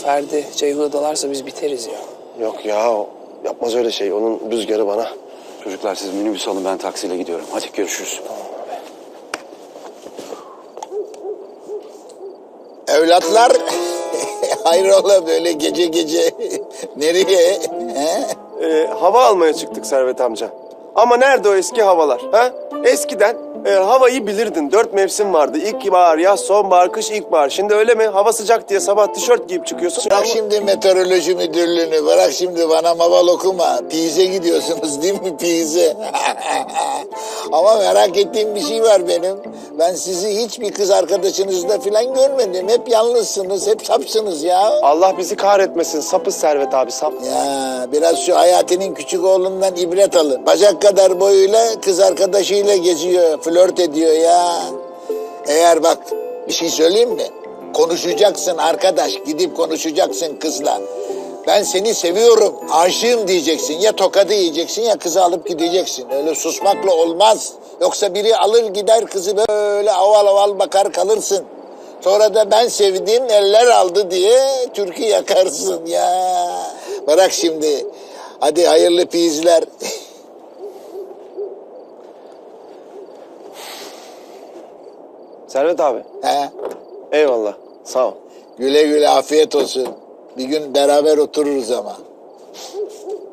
Ferdi Ceyhun'a dalarsa biz biteriz ya. Yok ya, o yapmaz öyle şey. Onun rüzgarı bana. Çocuklar siz minibüs alın, ben taksiyle gidiyorum. Hadi görüşürüz. Evlatlar, hayrola böyle gece gece nereye? Hava almaya çıktık Servet amca. Ama nerede o eski havalar? Ha? Eskiden havayı bilirdin. 4 mevsim vardı. İlkbahar, yaz, sonbahar, kış, ilkbahar. Şimdi öyle mi? Hava sıcak diye sabah tişört giyip çıkıyorsun. Bırak şimdi meteoroloji müdürlüğünü, bırak şimdi bana maval okuma. Pize gidiyorsunuz değil mi, Pize? Ama merak ettiğim bir şey var benim. Ben sizi hiçbir kız arkadaşınızla falan görmedim. Hep yalnızsınız, hep sapsınız ya. Allah bizi kahretmesin. Sapız Servet abi, sap. Ya biraz şu Hayati'nin küçük oğlundan ibret alın. Bacak kadar boyuyla kız arkadaşıyla geziyor, flört ediyor ya. Eğer bak bir şey söyleyeyim mi? Konuşacaksın arkadaş, gidip konuşacaksın kızla. Ben seni seviyorum, aşığım diyeceksin. Ya tokadı yiyeceksin ya kızı alıp gideceksin. Öyle susmakla olmaz. Yoksa biri alır gider kızı böyle aval aval bakar kalırsın. Sonra da ben sevdiğim eller aldı diye türkü yakarsın ya. Bırak şimdi. Hadi hayırlı pizler. Servet abi. He? Eyvallah. Sağ ol. Güle güle afiyet olsun. Bir gün beraber otururuz ama.